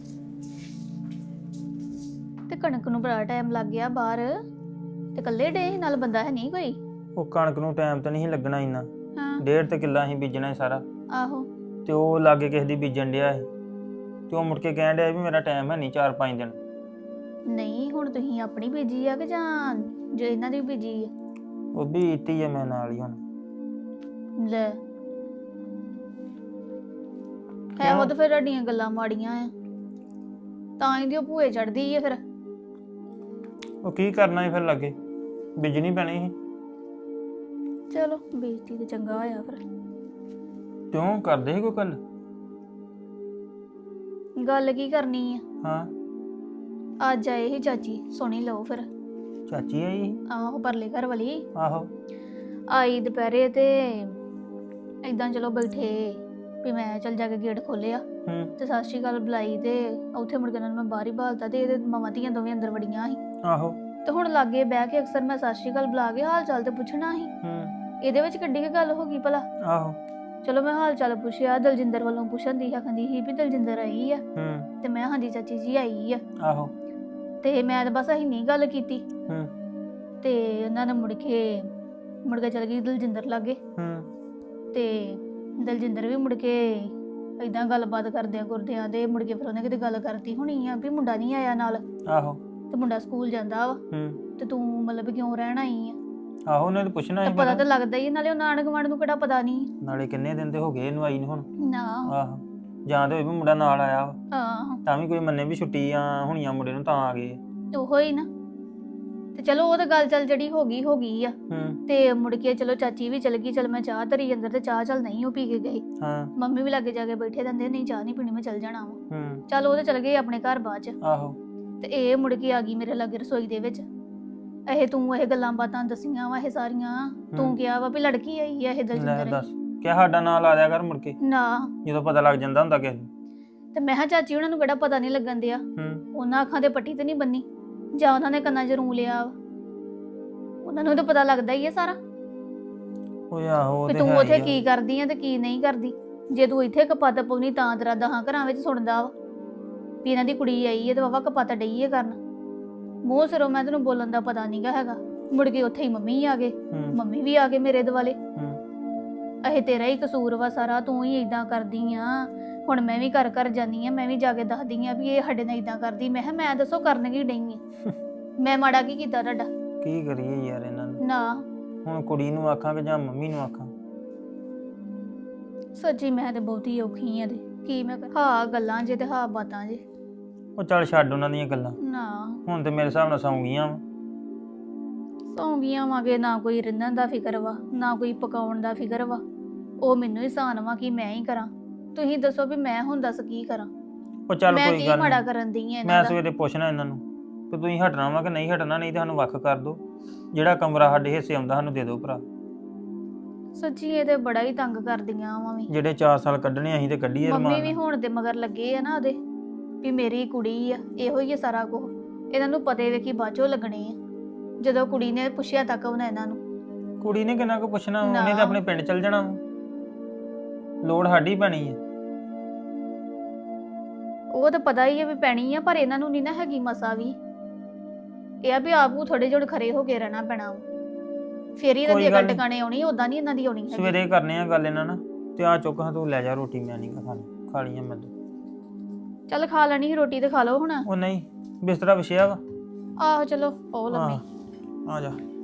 S5: ਤੇ ਕਣਕ ਨੂੰ ਬੜਾ ਟਾਈਮ ਲੱਗ ਗਿਆ ਬਾਹਰ, ਤੇ ਇਕੱਲੇ ਡੇ ਸੀ, ਨਾਲ ਬੰਦਾ ਹੈ ਨਹੀਂ ਕੋਈ?
S7: ਉਹ ਕਣਕ ਨੂੰ ਟਾਈਮ ਤਾਂ ਨਹੀਂ ਲੱਗਣਾ ਇੰਨਾ।
S5: ਹਾਂ
S7: ਡੇਢ ਤੇ ਕਿੱਲਾ ਅਸੀਂ ਬੀਜਣਾ ਸੀ ਸਾਰਾ,
S5: ਆਹੋ।
S7: ਤੇ ਉਹ ਲਾਗੇ ਕਿਸੇ ਦੀ ਬੀਜਣ ਡਿਆ ਸੀ, ਤੇ ਉਹ ਮੁੜ ਕੇ ਕਹਿਣ ਡਿਆ ਵੀ ਮੇਰਾ ਟਾਈਮ ਹੈ ਨਹੀਂ ਚਾਰ ਪੰਜ ਦਿਨ।
S5: ਨਹੀਂ ਹੁਣ ਤੁਸੀਂ ਆਪਣੀ ਬੀਜੀ ਆ ਕਿ ਜਾਂ ਜੋ ਇਹਨਾਂ ਦੀ ਬੀਜੀ ਆ?
S7: ਉਹ ਵੀ ਇੱਤੀ ਆ ਮੈਂ ਨਾਲ ਹੀ ਹੁਣ।
S5: ਲੈ ਹੈ ਉਹ ਤਾਂ ਫਿਰ ਤੁਹਾਡੀਆਂ ਗੱਲਾਂ ਮਾੜੀਆਂ ਆ, ਤਾਂ ਹੀ ਦੀ ਉਹ ਭੂਏ ਚੜਦੀ ਆ। ਫਿਰ
S7: ਉਹ ਕੀ ਕਰਨਾ ਸੀ ਫਿਰ ਲਾਗੇ, ਬੀਜਣੀ ਪੈਣੀ ਸੀ।
S5: ਚਲੋ ਬੇਇੱਜ਼ਤੀ ਤੇ ਚੰਗਾ ਹੋਇਆ ਫਿਰ।
S7: ਕਿਉਂ ਕਰਦੇ ਸੀ ਕੋਈ ਗੱਲ?
S5: ਗੱਲ ਕੀ ਕਰਨੀ ਆ?
S7: ਹਾਂ
S5: ਅੱਜ ਆਏ ਸੀ ਚਾਚੀ, ਸੁਣੀ ਲਓ ਫਿਰ।
S7: ਚਾਚੀ ਆਈ ਸੀ?
S5: ਆਹੋ ਪਰਲੇ ਘਰ ਵਾਲੀ
S7: ਆਹੋ
S5: ਆਈ ਦੁਪਹਿਰੇ, ਤੇ ਏਦਾਂ ਚਲੋ ਬੈਠੇ ਵੀ ਮੈਂ ਚੱਲ ਜਾ ਕੇ ਗੇਟ ਖੋਲਿਆ
S7: ਹੂੰ
S5: ਤੇ ਸਤਿ ਸ਼੍ਰੀ ਅਕਾਲ ਬੁਲਾਈ ਤੇ ਉੱਥੇ ਮੁੜ ਕੇ ਉਹਨਾਂ ਨੂੰ ਮੈਂ ਬਾਹਰ ਹੀ ਬਾਲਤਾ ਤੇ ਇਹਦੇ ਮਾਵਾਂ ਧੀਆਂ ਦੋਵੇਂ ਅੰਦਰ ਵੜੀਆਂ ਸੀ।
S7: ਆਹੋ
S5: ਤੇ ਹੁਣ ਲਾਗੇ ਬਹਿ ਕੇ ਅਕਸਰ ਮੈਂ ਸਤਿ ਸ਼੍ਰੀ ਅਕਾਲ ਬੁਲਾ ਕੇ ਹਾਲ ਚਾਲ ਤੇ ਪੁੱਛਣਾ ਸੀ।
S7: ਹੂੰ
S5: ਇਹਦੇ ਵਿੱਚ ਕਿੱਡੀ ਕੁ ਗੱਲ ਹੋ ਗਈ ਭਲਾ।
S7: ਆਹੋ
S5: ਚਲੋ ਮੈਂ ਹਾਲ ਚਾਲ ਪੁੱਛਿਆ, ਦਲਜਿੰਦਰ ਵੱਲੋਂ ਪੁੱਛਣ ਦੀ ਆਖਦੀ ਸੀ ਵੀ ਦਲਜਿੰਦਰ ਆਈ ਆ
S7: ਹੂੰ
S5: ਤੇ ਮੈਂ ਹਾਂਜੀ ਚਾਚੀ ਜੀ ਆਈ ਆ।
S7: ਆਹੋ
S5: ਤੇ ਮੈਂ ਤਾਂ ਬਸ ਅਸੀਂ ਨਹੀਂ ਗੱਲ ਕੀਤੀ
S7: ਹੂੰ
S5: ਤੇ ਉਹਨਾਂ ਨੇ ਮੁੜ ਕੇ ਮੁੜ ਕੇ ਚਲ ਗਈ ਦਲਜਿੰਦਰ ਲਾਗੇ
S7: ਹੂੰ
S5: ਤੇ ਦਲਜਿੰਦਰ ਵੀ ਮੁੜ ਕੇ ਏਦਾਂ ਗੱਲਬਾਤ ਕਰਦਿਆਂ ਕਰਦਿਆਂ ਤੇ ਮੁੜ ਕੇ ਫਿਰ ਉਹਨੇ ਕਿਤੇ ਗੱਲ ਕਰਤੀ ਹੋਣੀ ਆ ਵੀ ਮੁੰਡਾ ਨਹੀਂ ਆਇਆ ਨਾਲ
S7: ਆਹੋ
S5: ਤੇ ਮੁੰਡਾ ਸਕੂਲ ਜਾਂਦਾ ਵਾ
S7: ਹੂੰ
S5: ਤੇ ਤੂੰ ਮਤਲਬ ਕਿਉਂ ਰਹਿਣ ਆਈ ਆ।
S7: ਆਹੋ ਉਹਨੇ ਤਾਂ ਪੁੱਛਣਾ
S5: ਤਾਂ
S7: ਸੀ
S5: ਪਤਾ
S7: ਪਹਿਲਾਂ।
S5: ਤਾਂ ਲੱਗਦਾ ਹੀ ਆ, ਨਾਲੇ ਉਹ ਨਾਨਕ ਗਵਾਂਢ ਨੂੰ ਕਿਹੜਾ ਪਤਾ ਨਹੀਂ।
S7: ਨਾਲੇ ਕਿੰਨੇ ਦਿਨ ਦੇ ਹੋ ਗਏ ਇਹਨੂੰ ਆਈ ਨੂੰ ਹੁਣ।
S5: ਨਾ
S7: ਆਹੋ ਜਾਂ ਤੇ ਹੋਈ ਵੀ ਮੁੰਡਾ ਨਾਲ ਆਇਆ ਵਾ,
S5: ਆਹ
S7: ਤਾਂ ਵੀ ਕੋਈ ਮੰਨੇ ਵੀ ਛੁੱਟੀਆਂ ਹੋਣੀਆਂ ਮੁੰਡੇ ਨੂੰ ਤਾਂ ਆ ਗਏ।
S5: ਉਹੋ ਹੀ ਨਾ। ਤੇ ਚਲੋ ਉਹ ਤਾਂ ਗੱਲ ਚੱਲ ਜਿਹੜੀ ਹੋ ਗਈ ਹੋ ਗਈ ਆ।
S7: ਹੂੰ
S5: ਤੇ ਮੁੜ ਕੇ ਚਲੋ ਚਾਚੀ ਵੀ ਚਲ ਗਈ, ਚਲ ਮੈਂ ਚਾਹ ਧਰੀ ਅੰਦਰ ਤੇ ਚਾਹ ਚੱਲ ਨਹੀਂ ਉਹ ਪੀ ਕੇ ਗਈ।
S7: ਹਾਂ
S5: ਮੰਮੀ ਵੀ ਲਾਗੇ ਜਾ ਕੇ ਬੈਠੇ ਰਹਿੰਦੇ, ਨਹੀਂ ਚਾਹ ਨਹੀਂ ਪੀਣੀ ਮੈਂ ਚੱਲ ਜਾਣਾ ਵਾ।
S7: ਹੂੰ
S5: ਚਲ ਉਹ ਤੇ ਚਲ ਗਏ ਆਪਣੇ ਘਰ ਬਾਅਦ ਚ।
S7: ਆਹੋ
S5: ਤੇ ਇਹ ਮੁੜ ਕੇ ਆ ਗਈ ਮੇਰੇ ਲਾਗੇ ਰਸੋਈ ਦੇ ਵਿੱਚ। ਇਹ ਤੂੰ ਇਹ ਗੱਲਾਂ ਬਾਤਾਂ ਦਸੀਆਂ ਵਾ ਇਹ ਸਾਰੀਆਂ, ਤੂੰ
S7: ਹੂੰ।
S5: ਕਿਹਾ ਵਾ ਵੀ ਲੜਕੀ ਆਈ ਆ ਇਹ
S7: ਲੈ
S5: ਦਲਜਿੰਦਰ।
S7: ਦੱਸ ਕਿਆ ਸਾਡਾ ਨਾਂ ਲਾ ਦਿਆ ਕਰ ਮੁੜ ਕੇ
S5: ਨਾ
S7: ਜਦੋਂ ਪਤਾ ਲੱਗ ਜਾਂਦਾ ਹੁੰਦਾ ਕਿਸੇ ਨੂੰ।
S5: ਤੇ ਮੈਂ ਕਿਹਾ ਚਾਚੀ ਉਹਨਾਂ ਨੂੰ ਕਿਹੜਾ ਪਤਾ ਨਹੀਂ ਲੱਗਣ ਦਿਆ,
S7: ਹੂੰ
S5: ਉਹਨਾਂ ਅੱਖਾਂ ਤੇ ਪੱਟੀ ਤੇ ਨਹੀਂ ਬੰਨੀ ਜਾਂ ਉਹਨਾਂ ਨੇ ਕੰਨਾਂ 'ਚ ਰੂ ਲਿਆ ਵਾ। ਉਹਨਾਂ ਨੂੰ ਤਾਂ ਪਤਾ ਲੱਗਦਾ ਹੀ ਆ ਸਾਰਾ
S7: ਓਏ ਆਹੋ ਉਹ
S5: ਵੀ
S7: ਤੇ
S5: ਤੂੰ
S7: ਹੈ
S5: ਉੱਥੇ
S7: ਹੀ ਆ।
S5: ਕੀ ਕਰਦੀ ਆ ਤੇ ਕੀ ਨਹੀਂ ਕਰਦੀ। ਜੇ ਤੂੰ ਇੱਥੇ ਕਪੱਤ ਪਾਉਣੀ ਤਾਂ ਤੇਰਾ ਦਹਾਂ ਘਰਾਂ ਵਿੱਚ ਸੁਣਦਾ ਵਾ ਵੀ ਇਹਨਾਂ ਦੀ ਕੁੜੀ ਆਈ ਹੈ ਤੇ ਵਾਵਾ ਕਪੱਤ ਡਈ ਹੈ ਕਰਨ। ਮੂੰਹ ਸਿਰੋਂ ਮੈਂ ਤੈਨੂੰ ਬੋਲਣ ਦਾ ਪਤਾ ਨਹੀਂਗਾ ਹੈਗਾ। ਮੁੜ ਕੇ ਉੱਥੇ ਹੀ ਮੰਮੀ ਆ ਗਏ,
S7: ਹੂੰ
S5: ਮੰਮੀ ਵੀ ਆ ਗਏ ਮੇਰੇ ਦੁਆਲੇ।
S7: ਹੂੰ
S5: ਇਹ ਤੇਰਾ ਹੀ ਕਸੂਰ ਵਾ ਸਾਰਾ, ਤੂੰ ਹੀ ਇਦਾਂ ਕਰਦੀ ਆ। ਹੁਣ ਮੈਂ ਵੀ ਘਰ ਘਰ ਜਾਨੀ ਆ, ਮੈਂ ਵੀ ਜਾ ਕੇ ਦੱਸਦੀ ਆ ਵੀ ਇਹ ਸਾਡੇ ਨਾਲ ਇਦਾਂ ਕਰਦੀ। ਮੈਂ ਕਿਹਾ ਮੈਂ ਦੱਸੋ ਕਰਨ ਕੀ ਡਈ ਆ, ਮੈਂ ਮਾੜਾ ਕੀ ਕੀਤਾ ਤੁਹਾਡਾ।
S7: ਕੀ ਕਰੀਏ ਯਾਰ ਇਹਨਾਂ ਨੂੰ।
S5: ਨਾ
S7: ਹੁਣ ਕੁੜੀ ਨੂੰ ਆਖਾਂ ਕਿ ਜਾਂ ਮੰਮੀ ਨੂੰ ਆਖਾਂ।
S5: ਸੱਚੀ ਮੈਂ ਤੇ ਬਹੁਤੀ ਔਖੀ ਆ ਤੇ ਕੀ ਮੈਂ ਕਰ- ਹਾਂ ਗੱਲਾਂ ਜੇ ਤੇ ਹਾਂ ਬਾਤਾਂ ਜੇ।
S7: ਉਹ ਚੱਲ ਛੱਡ ਉਹਨਾਂ ਦੀਆਂ ਗੱਲਾਂ।
S5: ਨਾ
S7: ਹੁਣ ਤੇ ਮੇਰੇ ਹਿਸਾਬ ਨਾਲ ਸੌਂ ਗਈਆਂ ਵਾਂ।
S5: ਸੌਂ ਗਈਆਂ ਵਾਂਗੇ, ਨਾ ਕੋਈ ਰਿੰਨਣ ਦਾ ਫਿਕਰ ਵਾ ਨਾ ਕੋਈ ਪਕਾਉਣ ਦਾ ਫਿਕਰ ਵਾ। ਉਹ ਮੈਨੂੰ ਹੀ ਸਾਨ ਵਾ ਕਿ ਮੈਂ ਹੀ ਕਰਾਂ। ਤੁਸੀਂ ਦੱਸੋ ਵੀ ਮੈਂ ਹੁਣ ਦੱਸ ਕੀ ਕਰਾਂ।
S7: ਉਹ ਚੱਲ
S5: ਮੈਂ
S7: ਕੋਈ
S5: ਕੀ
S7: ਗੱਲ
S5: ਮਾੜਾ
S7: ਨਹੀਂ,
S5: ਕਰਨ ਦੀ ਆ
S7: ਮੈਂ
S5: ਇਹਨਾਂ ਦਾ।
S7: ਸਵੇਰੇ ਪੁੱਛਣਾ ਇਹਨਾਂ ਨੂੰ ਕਿ ਤੁਸੀਂ ਹਟਣਾ ਵਾ ਕਿ ਨਹੀਂ ਹਟਣਾ, ਨਹੀਂ ਤੇ ਸਾਨੂੰ ਵੱਖ ਕਰ ਦਿਓ। ਜਿਹੜਾ ਕਮਰਾ ਸਾਡੇ ਹਿੱਸੇ ਆਉਂਦਾ ਸਾਨੂੰ ਦੇ ਦਿਓ ਭਰਾ।
S5: ਸੱਚੀ ਇਹ ਤੇ ਬੜਾ ਹੀ ਤੰਗ ਕਰਦੀਆਂ ਵਾ ਵੀ।
S7: ਜਿਹੜੇ ਚਾਰ ਸਾਲ ਕੱਢਣੇ ਅਸੀਂ ਤੇ ਕੱਢੀਏ
S5: ਮੰਮੀ
S7: ਰਮਾਨ
S5: ਵੀ ਹੁਣ ਤੇ ਮਗਰ ਲੱਗੇ ਆ ਨਾ ਉਹਦੇ ਵੀ ਮੇਰੀ ਕੁੜੀ ਆ, ਇਹੋ ਹੀ ਆ ਸਾਰਾ ਕੁਝ। ਇਹਨਾਂ ਨੂੰ ਪਤੇ ਵੇਖੀ ਬਾਝੋਂ ਲੱਗਣੇ ਆ। ਜਦੋਂ ਕੁੜੀ ਨੇ ਪੁੱਛਿਆ ਤੱਕ ਉਹਨਾਂ ਇਹਨਾਂ ਨੂੰ।
S7: ਕੁੜੀ ਨੇ ਕਿੰਨਾ ਕੁ ਪੁੱਛਣਾ ਵਾ,
S5: ਨਾ।
S7: ਉਹਨੇ ਤਾਂ ਆਪਣੇ ਪਿੰਡ ਚਲ ਜਾਣਾ ਵਾ। ਲੋੜ ਸਾਡੀ ਪੈਣੀ ਹੈ।
S5: ਉਹ ਤਾਂ ਪਤਾ ਹੀ ਆ ਵੀ ਪੈਣੀ ਆ, ਪਰ ਇਹਨਾਂ ਨੂੰ ਨਹੀਂ ਨਾ ਹੈਗੀ ਮਸਾ ਵੀ। ਇਹ ਆ ਵੀ ਆਪੂ ਥੋੜੇ ਜਿਹੇ ਖਰੇ ਹੋ ਕੇ ਰਹਿਣਾ ਪੈਣਾ ਵਾ। ਫੇਰ ਹੀ ਇਹਨਾਂ ਦੀ
S7: ਕੋਈ ਗੱਲ
S5: ਅਕਲ
S7: ਨੀ।
S5: ਟਿਕਾਣੇ ਆਉਣੀ, ਉਦਾਂ ਨਹੀਂ ਇਹਨਾਂ ਦੀ ਆਉਣੀ ਹੈਗੀ।
S7: ਸਵੇਰੇ ਕਰਨੇ ਆ ਗੱਲ ਇਹਨਾਂ ਨਾਲ। ਤੇ ਆ ਚੁੱਕ ਹਾਂ ਤੂੰ ਲੈ ਜਾ ਰੋਟੀ, ਮੈਂ ਨਹੀਂ ਖਾਣੀ, ਖਾ ਲਈ ਆ ਮੈਂ ਤਾਂ।
S5: ਚੱਲ ਖਾ ਲੈਣੀ ਸੀ ਰੋਟੀ ਤੇ ਖਾ ਲਓ ਹੁਣ।
S7: ਉਹ ਨਹੀਂ ਬਿਸਤਰਾ ਵਿਛਿਆ ਵਾ।
S5: ਆਹੋ ਚਲੋ ਉਹ ਲੰਮੀ।
S7: ਆ ਜਾ।